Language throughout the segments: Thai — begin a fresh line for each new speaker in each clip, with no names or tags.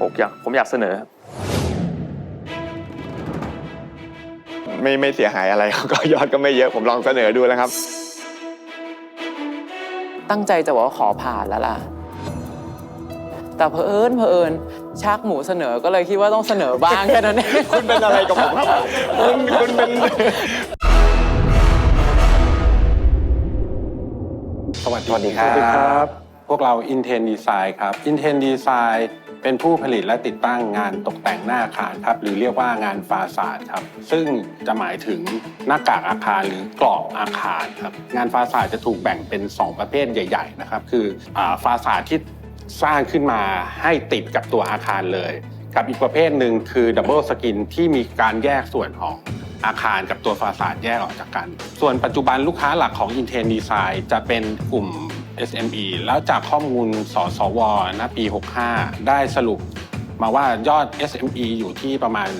ผมอยากเสนอ
ไม่เสียหายอะไรก็ยอดก็ไม่เยอะผมลองเสนอดูแล้วครับ
ตั้งใจจะบอกว่าขอผ่านแล้วล่ะแต่เผอิญชักหมูเสนอก็เลยคิดว่าต้องเสนอบ้างแค่นั้นเอง
คุณเป็นอะไรกับผมครับคุณเป็น
สวัสดีครับพวกเรา Inten Design ครับ Inten Design เป็นผู้ผลิตและติดตั้งงานตกแต่งหน้าอาคารครับหรือเรียกว่างานฟาซาดครับซึ่งจะหมายถึงหน้ากากอาคารหรือกรอบอาคารครับงานฟาซาดจะถูกแบ่งเป็น2ประเภทใหญ่ๆนะครับคือฟาซาดที่สร้างขึ้นมาให้ติดกับตัวอาคารเลยกับอีกประเภทหนึ่งคือดับเบิลสกินที่มีการแยกส่วนของอาคารกับตัวฟาซาดแยกออกจากกันส่วนปัจจุบันลูกค้าหลักของ Inten Design จะเป็นกลุ่ม SME แล้วจากข้อมูลสสวณปี 65 ได้สรุปมาว่ายอด SME อยู่ที่ประมาณ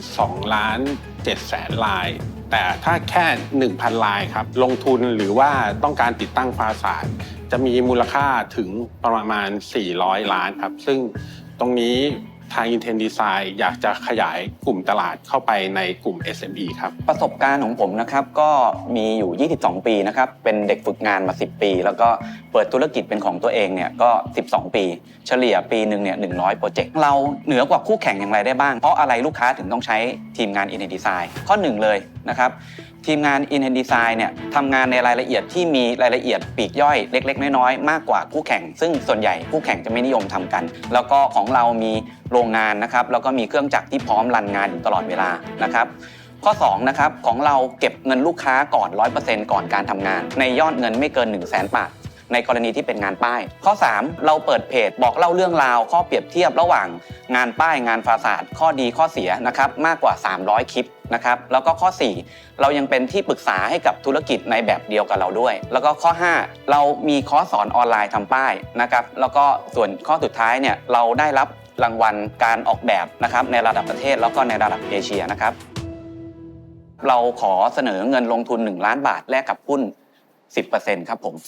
2,700,000 รายแต่ถ้าแค่ 1,000 รายครับลงทุนหรือว่าต้องการติดตั้งฟาซาดจะมีมูลค่าถึงประมาณ400 ล้านครับซึ่งตรงนี้ทาง Inten Design อยากจะขยายกลุ่มตลาดเข้าไปในกลุ่ม SME ครับ
ประสบการณ์ของผมนะครับก็มีอยู่ 22 ปีนะครับเป็นเด็กฝึกงานมา 10 ปีแล้วก็เปิดธุรกิจเป็นของตัวเองเนี่ยก็ 12 ปีเฉลี่ยปีหนึ่งเนี่ย100 โปรเจกต์เราเหนือกว่าคู่แข่งอย่างไรได้บ้างเพราะอะไรลูกค้าถึงต้องใช้ทีมงาน Inten Design ข้อ1เลยนะครับทีมงาน Inten Design เนี่ยทำงานในรายละเอียดที่มีรายละเอียดปลีกย่อยเล็กๆน้อยๆมากกว่าคู่แข่งซึ่งส่วนใหญ่คู่แข่งจะไม่นิยมทำกันแล้วก็ของเรามีโรงงานนะครับแล้วก็มีเครื่องจักรที่พร้อมรันงานอยู่ตลอดเวลานะครับข้อ2นะครับของเราเก็บเงินลูกค้าก่อน 100% ก่อนการทำงานในยอดเงินไม่เกิน 100,000 บาทในกรณีที่เป็นงานป้ายข้อ3เราเปิดเพจบอกเล่าเรื่องราวข้อเปรียบเทียบระหว่างงานป้ายงานฟาซาดข้อดีข้อเสียนะครับมากกว่า300คลิปนะครับแล้วก็ข้อ4เรายังเป็นที่ปรึกษาให้กับธุรกิจในแบบเดียวกับเราด้วยแล้วก็ข้อ5เรามีคอร์สสอนออนไลน์ทำป้ายนะครับแล้วก็ส่วนข้อสุดท้ายเนี่ยเราได้รับรางวัลการออกแบบนะครับในระดับประเทศแล้วก็ในระดับเอเชียนะครับเราขอเสนอเงินลงทุน1 ล้านบาทแลกกับหุ้น 10% ครับผม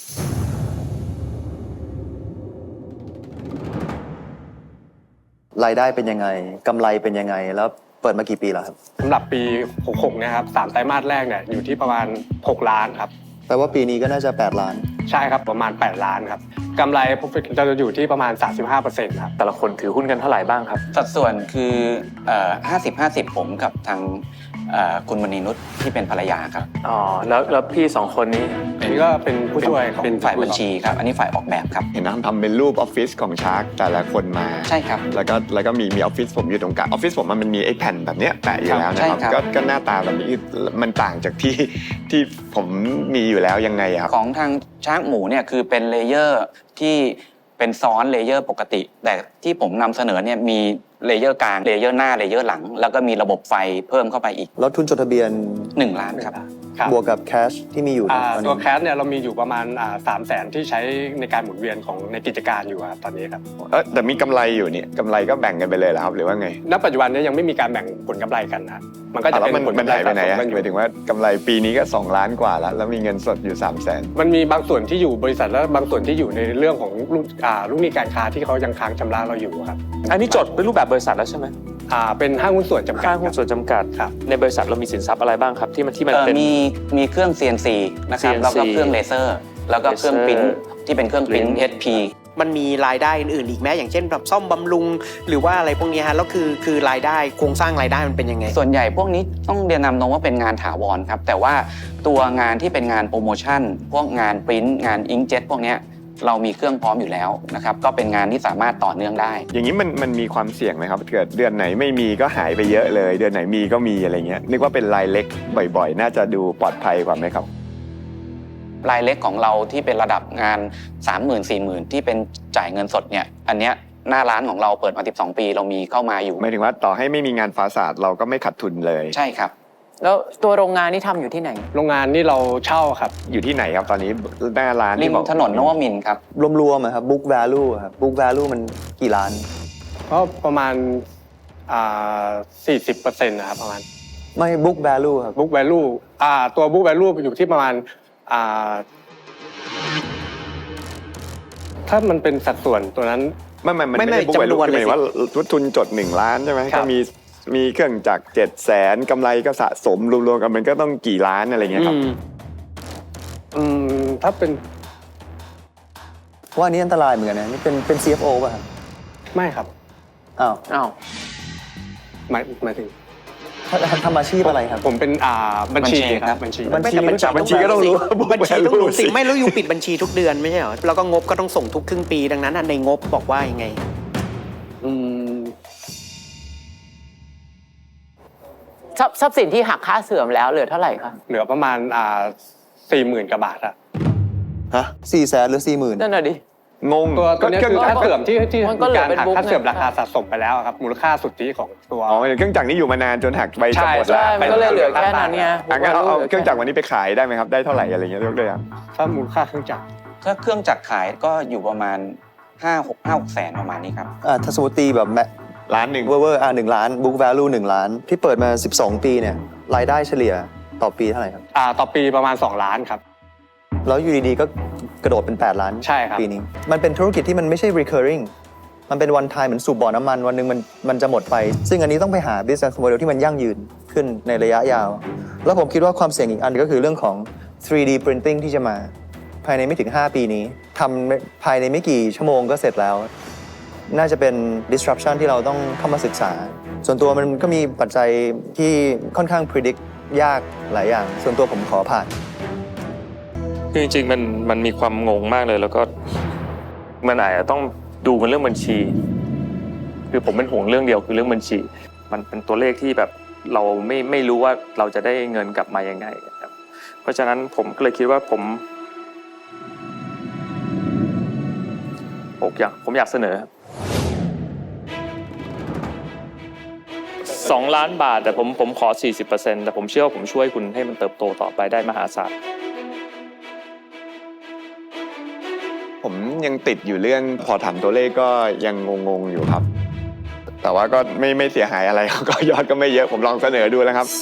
รายได้เป็นยังไงกำไรเป็นยังไงแล้วเปิดมากี่ปีแล้วครับ
สำหรับปี 66 นะครับ3ไตรมาสแรกเนี่ยอยู่ที่ประมาณ6 ล้านครับ
แปลว่าปีนี้ก็น่าจะ8 ล้าน
ใช่ครับประมาณ8 ล้านครับกำไรจะอยู่ที่ประมาณ 35% ครับแต่ละคนถือหุ้นกันเท่าไหร่บ้างครับ
สัดส่วนคือ50-50ผมกับทางคุณมณีนุชที่เป็นภรรยาครับ
อ๋อแล้วพี่2คนนี้อันนี้ก็เป็นผู้ช่วย
เป็นฝ่ายบัญชีครับอันนี้ฝ่ายออกแบบครับ
เห็นทำเป็นรูปออฟฟิศของชาร์กแต่ละคนมา
ใช่ครับ
แล้วก็มีออฟฟิศผมอยู่ตรงกลางออฟฟิศผมมันมีไอ้แผ่นแบบเนี้ยแปะอยู่แล้วนะครับก็หน้าตาแบบนี้มันต่างจากที่ผมมีอยู่แล้วยังไงครับ
ของทางชาร์กหมูเนี่ยคือเป็นเลเยอร์ที่เป็นซ้อนเลเยอร์ปกติแต่ที่ผมนำเสนอเนี่ยมีเลเยอร์กลางเลเยอร์หน้าเลเยอร์หลังแล้วก็มีระบบไฟเพิ่มเข้าไปอีก
แล้วทุนจดทะเบียน
1 ล้านครับ
บวกกับแคชที่มีอยู่
ตัวแคชเนี่ยเรามีอยู่ประมาณ300,000ที่ใช้ในการหมุนเวียนของในกิจการอยู่ครับตอนนี้ครับ
แต่มีกำไรอยู่นี่กำไรก็แบ่งกันไปเลยเหรอครับหรือว่าไง
ณปัจจุบันนี้ยังไม่มีการแบ่งผลกำไรกันนะมันก็จะเป็นผลกำไร
ไปไหนหมายถึงว่ากำไรปีนี้ก็2 ล้านกว่าแล้วมีเงินสดอยู่300,000
มันมีบางส่วนที่อยู่บริษัทแล้วบางส่วนที่อยู่ในเรื่องของลูกหนี้การค้าที่เขายังค้างชำระเราอยู่ครับ
อันนี้จดเป็นรูปแบบบริษัทแล้วใช่ไหม
เป็นห้างหุ้นส่วนจำกัด
ห้างหุ้นส่วนจำกัด
ครับ
ในบริษัทเรามีสินทรัพย์อะไรบ้างครับที่มันเป็น
มีเครื่อง CNC นะครับแล้วก็เครื่องเลเซอร์แล้วก็เครื่องปริ้นที่เป็นเครื่องปริ้น HP
มันมีรายได้อื่นๆอีกไหมอย่างเช่นแบบซ่อมบำรุงหรือว่าอะไรพวกนี้ฮะแล้วคือรายได้โครงสร้างรายได้มันเป็นยังไง
ส่วนใหญ่พวกนี้ต้องเรียนนำตรงว่าเป็นงานถาวรครับแต่ว่าตัวงานที่เป็นงานโปรโมชั่นพวกงานปริ้นงานอิงเจ็ตพวกนี้เรามีเครื่องพร้อมอยู่แล้วนะครับก็เป็นงานที่สามารถต่อเนื่องได้
อย่างนี้มันมีความเสี่ยงไหมครับเกิดเดือนไหนไม่มีก็หายไปเยอะเลยเดือนไหนมีก็มีอะไรเงี้ยนึกว่าเป็นรายเล็กบ่อยๆน่าจะดูปลอดภัยกว่าไหมครับ
รายเล็กของเราที่เป็นระดับงาน 30,000-40,000 ที่เป็นจ่ายเงินสดเนี่ยอันเนี้ยหน้าร้านของเราเปิดมา12 ปีเรามีเข้ามาอยู่
หมายถึงว่าต่อให้ไม่มีงานฟาซาดเราก็ไม่ขาดทุนเลย
ใช่ครับ
แล้วตัวโรงงานนี่ทำอยู่ที่ไหน
โรงงานนี่เราเช่าครับ
อยู่ที่ไหนครับตอนนี้หน้าร้าน
ริมถนนนวมินทร์ครับ
รวมๆครับ book value ครับ book value มันกี่ล้าน
ก็ประมาณ40%นะครับประมาณ
ไม่ book value ครับ
book value ตัว book value อยู่ที่ประมาณถ้ามันเป็นสัดส่วนตัวนั้น
มันไม่ได้บุ๊กแวลู
จำนวน
คือหมายถึงว่า
เลยสิ
ทุนทุนจด1 ล้านใช่ไหม
ครั
ก็
บ
มีเครื่องจักร700,000กำไรก็สะสมรวมๆกันมันก็ต้องกี่ล้านอะไรเงี้ยครับ
ถ้าเป็น
ว่าอันนี้อันตรายเหมือนกันนะนี่เป็น CFO ป่ะครับ
ไม่ครับ
อ้าว
อ้าว
หมายถึง
ทำอาชีพอะไรครับ
ผมเป็นบัญชี
บัญชี
ค
ครั
รับบ บัญชี
บัญชี
รู้จักบัญชีก็ต้องรู้ว่า book
บัญชีต้องรู้
value
สิไม่แล้วอยู่ปิดบัญชีทุกเดือนไม่ใช่เหรอแล้วก็งบก็ต้องส่งทุกครึ่งปีดังนั้นในงบบอกว่ายังไง
อืม
ทรัพย์สินที่หักค่าเสื่อมแล้วเหลือเท่าไหร่คะ
เหลือประมาณ40,000 กว่าบาทอะ
ฮะ400,000หรือ 40,000
นั่นน่ะดิ
งง
ตัวนี้คือค่าเสื่อมที่
มันก็
มี
เหลือ
การ
เป็น
หัก
บุ๊ก
ค่าเสื่อม
ไง
ราคาสะสมไปแล้วครับมูลค่าสุทธิของตัว
อ๋อเครื่องจักรนี้อยู่มานานจนหักไปจะหมดแล้ว
ใช่มันก็เลยเหลือแค่นั้นเนี่ย
งั้นเอาเครื่องจักรวันนี้ไปขายได้ไหมครับได้เท่าไหร่อะไรเงี้ยยกตัวอย่าง
ถ้ามูลค่าเครื่องจักร
ถ้าเครื่องจักรขายก็อยู่ประมาณ5-6 แสนประมาณนี้ครับ
ถ้าสมมติตีแบบ1
ล้านหนึ่ง
เวอร์1 ล้าน book value 1 ล้าน ที่เปิดมา 12 ปีเนี่ยรายได้เฉลี่ยต่อปีเท่าไหร่ครับ
ต่อปีประมาณ2 ล้านครับ
แล้วอยู่ดีๆก็กระโดดเป็น 8 ล้าน
ใช่ครับ
ปีนี้ มันเป็นธุรกิจที่มันไม่ใช่ recurring มันเป็น one time เหมือนสูบบ่อน้ำมันวันหนึ่งมันจะหมดไป ซึ่งอันนี้ต้องไปหา business model ที่มันยั่งยืนขึ้นในระยะยาว แล้วผมคิดว่าความเสี่ยงอีกอันก็คือเรื่องของ 3D printing ที่จะมาภายในไม่ถึง 5 ปีนี้ทำภายในไม่กี่ชั่วโมงก็เสร็จแล้ว น่าจะเป็น disruption ที่เราต้องเข้ามาศึกษา ส่วนตัวมันก็มีปัจจัยที่ค่อนข้าง predict ยากหลายอย่าง ส่วนตัวผมขอผ่าน
คือจริงๆมันมีความงงมากเลย แล้วก็มันอาจจะต้องดูกันเรื่องบัญชี คือผมเป็นห่วงเรื่องเดียวคือเรื่องบัญชี มันเป็นตัวเลขที่แบบเราไม่รู้ว่าเราจะได้เงินกลับมายังไงครับเพราะฉะนั้นผมก็เลยคิดว่าผมอยากเสนอ2 ล้านบาทแต่ผมขอ 40%แต่ผมเชื่อว่าผมช่วยคุณให้มันเติบโตต่อไปได้มหาศาล
ผมยังติดอยู่เรื่องพอถามตัวเลขก็ยังงงๆอยู่ครับ แต่ว่าก็ไม่เสียหายอะไร ก็ยอดก็ไม่เยอะผมลองเสนอดูแล้วครับ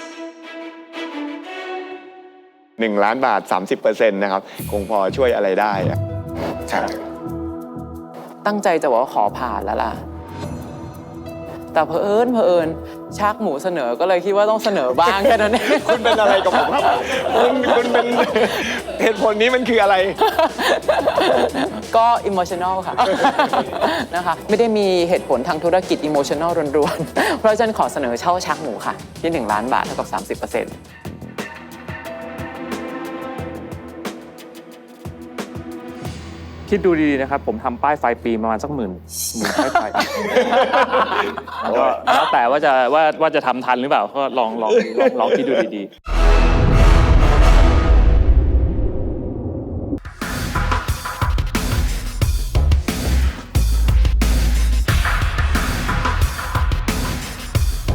1 ล้านบาท 30% นะครับคงพอช่วยอะไรได้อะครับ
ตั้งใจจะบอกว่าขอผ่านแล้วล่ะ แต่เผอิญชักหมูเสนอก็เลยคิดว่าต้องเสนอบ้างแค่นั้นเอง
คุณเป็นอะไรกับผมครับคุณเป็นเหตุผลนี้มันคืออะไร
ก็ emotional ค่ะ นะคะ ไม่ได้มีเหตุผลทางธุรกิจ emotional รวนๆ เพราะฉะนั้นขอเสนอเช่าชักหมูค่ะ ที่1 ล้านบาทเท่ากับ 30%
คิดดูดีๆนะครับ ผมทำป้ายไฟปีประมาณสักหมื่นป้ายไฟ ก็แล้วแต่ว่าจะทำทันหรือเปล่าก็ลองคิดดูดีๆ